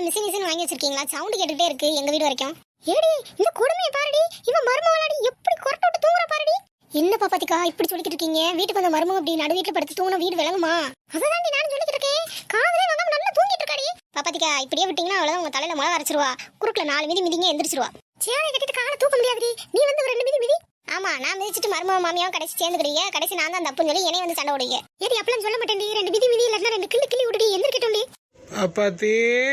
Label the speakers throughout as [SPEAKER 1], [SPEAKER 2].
[SPEAKER 1] Machine வாங்கி வச்சிருக்கீங்களா? Sound கேட்டுட்டே இருக்கு எங்க வீடு வரைக்கும். ஏடி இந்த கொடுமையை பாருடி, இவ மருமகளாடி எப்படி கொரட்ட விட்டு தூங்குற பாருடி. என்ன பாப்பாத்திக்கா இப்படி சொல்லிட்டு இருக்கீங்க? வீட்டுக்கு வந்த மருமக அப்படி நடு வீட்டுல படுத்து தூங்கின வீடு விளங்குமா? அததாண்டி நானும் சொல்லிட்டு இருக்கேன். காதலே வாங்காம நல்லா தூங்கிட்டு இருக்காடி. பாப்பாத்திக்கா இப்படியே விட்டீங்கன்னா அவ்வளவுதான், உங்க தலையில முளை அரைச்சிருவா. குறுக்குல 4 மிதி மிதிங்க எந்திரிச்சிருவா. சேலை கட்டிட்டு காலை தூக்க முடியாதுடி. நீ வந்து ஒரு 2 மிதி மிதி. ஆமா, நான் மிதிச்சிட்டு மருமக மாமியாவும் கடைசி சேர்ந்துக்கிறீங்க. கடைசி நான் தான் தப்புன்னு சொல்லி என்னைய வந்து சண்டை விடுங்க. ஏடி அப்பலாம் சொல்ல மாட்டேன்டி. 2 மிதி மிதி இல்லன்னா 2 கிள்ளி கிள்ளி விடுடி. எந்திரிக்கட்டும்டி.
[SPEAKER 2] பாப்பாத்தி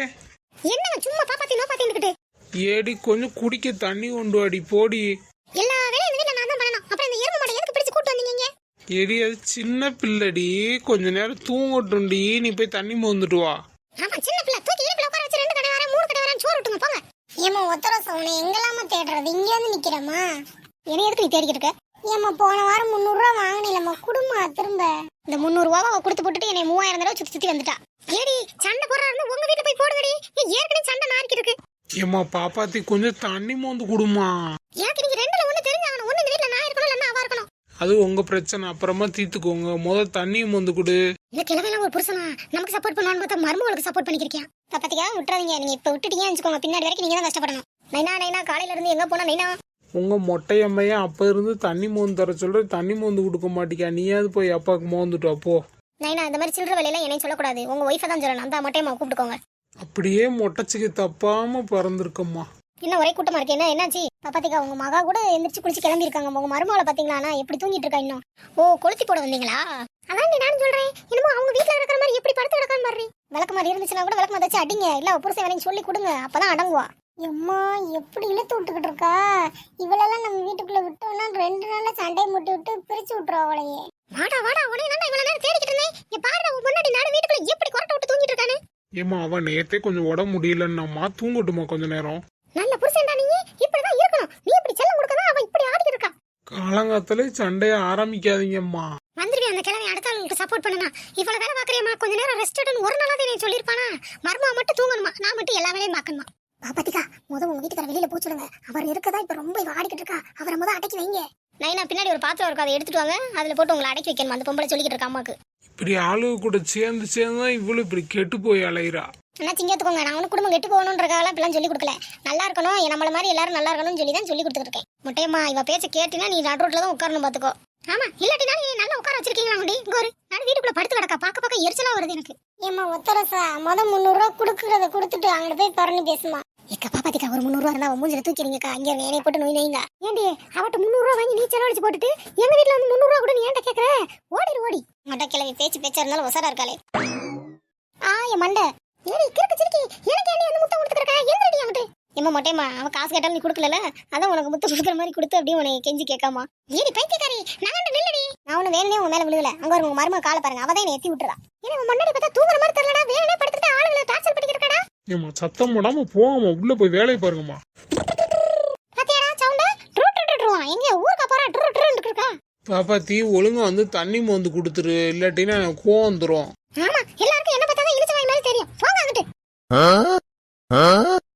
[SPEAKER 1] என்னங்க சும்மா பாப்பாத்தி நோ பாத்தின்னுக்கிட்டு.
[SPEAKER 2] ஏடி கொஞ்சம் குடிக்க தண்ணி கொண்டு வாடி போடி.
[SPEAKER 1] எல்லா வேலையும் இந்த வீட்ல நான் தான் பண்ணணும். அப்புறம் இந்த எருமை மாடை எதுக்கு பிடிச்சு கூட்டு வந்தீங்க?
[SPEAKER 2] ஏடி அது சின்ன பிள்ளடி, கொஞ்ச நேரம் தூங்கட்டும்டி. நீ போய் தண்ணி மோந்துட்டு வா.
[SPEAKER 1] ஆமா சின்ன பிள்ளை. தூக்கி இடுப்புல உட்கார வச்சு 2 கடை வரேன் 3 கடை வரேன் சோறு விட்டுங்க போங்க. ஏமா ஒத்தர சவுனே எங்கலாமா தேடுறது? இங்க வந்து நிக்கிறமா? என்ன எதுக்கு நீ தேடிக்கிட்டு இருக்க? ஏமா போன வாரம் 300 ரூபாய் வாங்கினீலம்மா, குடுமா திரும்ப. இந்த 300 ரூபாவை கொடுத்து போட்டுட்டு என்னை 3000 தடவை சுத்தி வந்துட்டா. ஏடி சண்டை போடுறா இருந்தா உங்க வீட்டுல போய் போடுங்கடி. ஏற்கனவே சண்டை நாரிக்கிட்டு இருக்கு.
[SPEAKER 2] ஏமா பாப்பாத்தி கொஞ்சம் தண்ணி மோந்து குடுமா.
[SPEAKER 1] எனக்கு நீங்க 2ல ஒண்ணு தெரிஞ்சாகணும். ஒண்ணு இந்த வீட்ல நான் இருக்கணும் இல்லன்னா அவ இருக்கணும்.
[SPEAKER 2] அது உங்க பிரச்சனை, அப்புறமா தீர்த்துக்கோங்க. முதல்ல தண்ணியை மோந்து குடு.
[SPEAKER 1] இல்ல கிழமையெல்லாம் ஒரு புருஷனா நமக்கு சப்போர்ட் பண்ணுவான்னு பார்த்தா மருமகளுக்கு சப்போர்ட் பண்ணிக்கிறேன். பாப்பாத்திக்கா விட்டுறாதீங்க. நீங்க இப்ப விட்டுட்டீங்கன்னு வச்சுக்கோங்க, பின்னாடி வரைக்கும் நீங்க தான் கஷ்டப்படணும். நைனா காலையில இருந்து எங்க போனா நைனா?
[SPEAKER 2] உங்க மொட்டையம்மையா அப்ப இருந்து தண்ணி மோந்து தர சொல்ற, தண்ணி மோந்து கொடுக்க மாட்டிக்கா. நீயாவது போய் அப்பாவுக்கு மோந்துட்டு அப்போ.
[SPEAKER 1] நைனா இந்த மாதிரி சில்லற வேலையெல்லாம் என்னையும் சொல்லக்கூடாது. உங்க ஒய்ஃபை தான் சொல்லணும். அந்த மொட்டையம்மா கூப்பிட்டுக்கோங்க.
[SPEAKER 2] அப்படியே மொட்டைச்சிக்கு தப்பாம பறந்துருக்கம்மா.
[SPEAKER 1] இன்னும் ஒரே கூட்டமா இருக்கு. என்னாச்சு பாப்பாத்திக்கா? உங்க மகா கூட எந்திரிச்சு குளிச்சு கிளம்பி இருக்காங்க. உங்க மருமகளை பாத்தீங்களா எப்படி தூங்கிட்டு இருக்கா இன்னும்? ஓ கொளுத்தி போட வந்தீங்களா? அதான் நானும் சொல்றேன். என்னமோ அவங்க வீட்டுல இருக்கிற மாதிரி எப்படி படுத்து கிடக்கான்னு மாதிரி. விளக்கு மாதிரி இருந்துச்சுன்னா கூட விளக்கு மாதிரி அடிங்க. இல்ல புருஷன் வேலையும் சொல்லி கொடுங்க, அப்பதான் அடங்குவா. எம்மா எப்படி இழுத்து விட்டுக்கிட்டு இருக்கா? இவளெல்லாம் நம்ம வீட்டுக்குள்ள விட்டோம்னா 2 நாள்ல சண்டையை முட்டி விட்டு பிரிச்சு விட்டுருவா அவளையே. வாடா உடனே நான் இவ்வளவு நேரம் தேடிக்கிட்டு இருந்தேன். இங்க பாரு உன் முன்னாடி நாடு வீட்டுக்குள்ள எப்படி கொரட்டை விட்டு தூங்கிட்டு இருக்கானு.
[SPEAKER 2] ஏமா அவன் நேத்தே கொஞ்சம் உடம்பு முடியலன்னாமா, தூங்கட்டுமா கொஞ்ச நேரம்.
[SPEAKER 1] நல்ல புருஷன்டா நீ, இப்படிதான் இருக்கணும். நீ இப்படி செல்லம் கொடுக்கதான் அவன் இப்படி ஆடிக்கிட்டு இருக்கா.
[SPEAKER 2] காலங்காத்தாலே சண்டைய ஆரம்பிக்காதீங்கம்மா.
[SPEAKER 1] வந்துருவி அந்த கிழமை அடுத்த ஆளுக்கு சப்போர்ட் பண்ணனா. இவ்வளவு வேலை பாக்குறியம்மா, கொஞ்ச நேரம் ரெஸ்ட் எடுன்னு ஒரு நாளாவது நீ சொல்லிருப்பானா? மர்மா மட்டும் தூங்கணுமா, நான் மட்டும் எல்லா வேலையும் பாக்கணுமா? பாப்பாத்திக்கா முத உங்க வீட்டுக்கார வெளியில போச்சுடுங்க. அவர் இருக்கதா இப்ப ரொம்ப ஆடிக்கிட்டு இருக்கா. அவரை முத அடக்கி வைங்க. நைனா பின்னாடி ஒரு பாத்திரம் இருக்கும், அதை எடுத்துட்டு வாங்க. அதுல போட்டு உங்களை அடக்கி வைக்கணும். அந்த பொம்பளை சொல்லிக்கிட்டு இருக்கா அம்மாக்கு.
[SPEAKER 2] இப்படி ஆளுக கூட சேர்ந்து தான் இவ்வளவு இப்படி கெட்டு போய் அலையிறா.
[SPEAKER 1] ஆனா சிங்கத்துக்கோங்க, நான் ஒன்னும் குடும்பம் கெட்டு போகணுன்றக்காக இப்பெல்லாம் சொல்லி கொடுக்கல. நல்லா இருக்கணும், நம்மள மாதிரி எல்லாரும் நல்லா இருக்கணும்னு சொல்லி தான் சொல்லி கொடுத்துட்டு இருக்கேன். முட்டையம்மா இவ பேச்ச கேட்டினா நீ நடு ரோட்ல தான் உட்காரணும் பாத்துக்கோ. ஆமா இல்லாட்டினா நீ நல்லா உட்கார வச்சிருக்கீங்களா? கோரு நான் வீட்டுக்குள்ள படுத்து கிடக்கா. பாக்க எரிச்சலா வருது எனக்கு. ஏமா ஒத்தரசா முத 300 ரூபாய் கொடுக்கறத கொடுத்துட்டு அங்க போய் பரணி பேசுமா. எக்க பாப்பாத்திக்கா ஒரு 300 ரூபா இருந்தா மூஞ்சில தூக்கிறீங்கக்கா. இங்க வேலையை போட்டு நோய் நோய்ங்க. ஏண்டி அவட்ட 300 ரூபா வாங்கி நீ செலவழிச்சு போட்டுட்டு எங்க வீட்டுல வந்து 300 ரூபா கூட நீ ஏன்ட்ட கேக்குற? ஓடி மட்ட கிளவி பேச்சா இருந்தாலும் ஒசரா இருக்காளே. என் மண்டை ஏடி கிறுக்கு சிரிக்கி எனக்கு ஏண்டி வந்து முட்டை கொடுத்துக்கறக்கா? எங்கடி அங்கிட்டு? ஏமா மொட்டையம்மா அவ காசு கேட்டாலும் நீ கொடுக்கல, அதான் உனக்கு முட்டை கொடுக்குற மாதிரி கொடுத்து அப்படியே உனக்கு கெஞ்சி கேட்காமா. ஏடி பைத்தியக்காரி நகண்டு நில்லடி. நான் ஒண்ணு வேலையே உன் மேல விழுகல. அங்க ஒரு உங்க மருமக காலை பாருங்க, அவதான் என்னை எத்தி விட்டுறா. ஏன்னா உன் முன்னாடி பார்த்தா தூங்குற மாதிரி தெரியலடா. வேலையே படுத்துட்டு ஆளுங்களை டார்ச்சர் பண்ணிக்கிறக்கடா.
[SPEAKER 2] ஏமா சத்தம் போடாம போகாம உள்ள போய் வேலையை பாருங்கம்மா.
[SPEAKER 1] பாத்தியாடா சவுண்ட ட்ரூ எங்க ஊருக்கு போறா ட்ரூ இருக்கா.
[SPEAKER 2] பாப்பாத்தி ஒழுங்கா வந்து தண்ணி மோந்து கொடுத்துரு, இல்லாட்டினா எனக்கு கோவம் வந்துரும்.
[SPEAKER 1] ஆமா எல்லாருக்கும் என்ன பார்த்தா இழுச்ச வாய் மாதிரி தெரியும். போங்க அங்கிட்டு.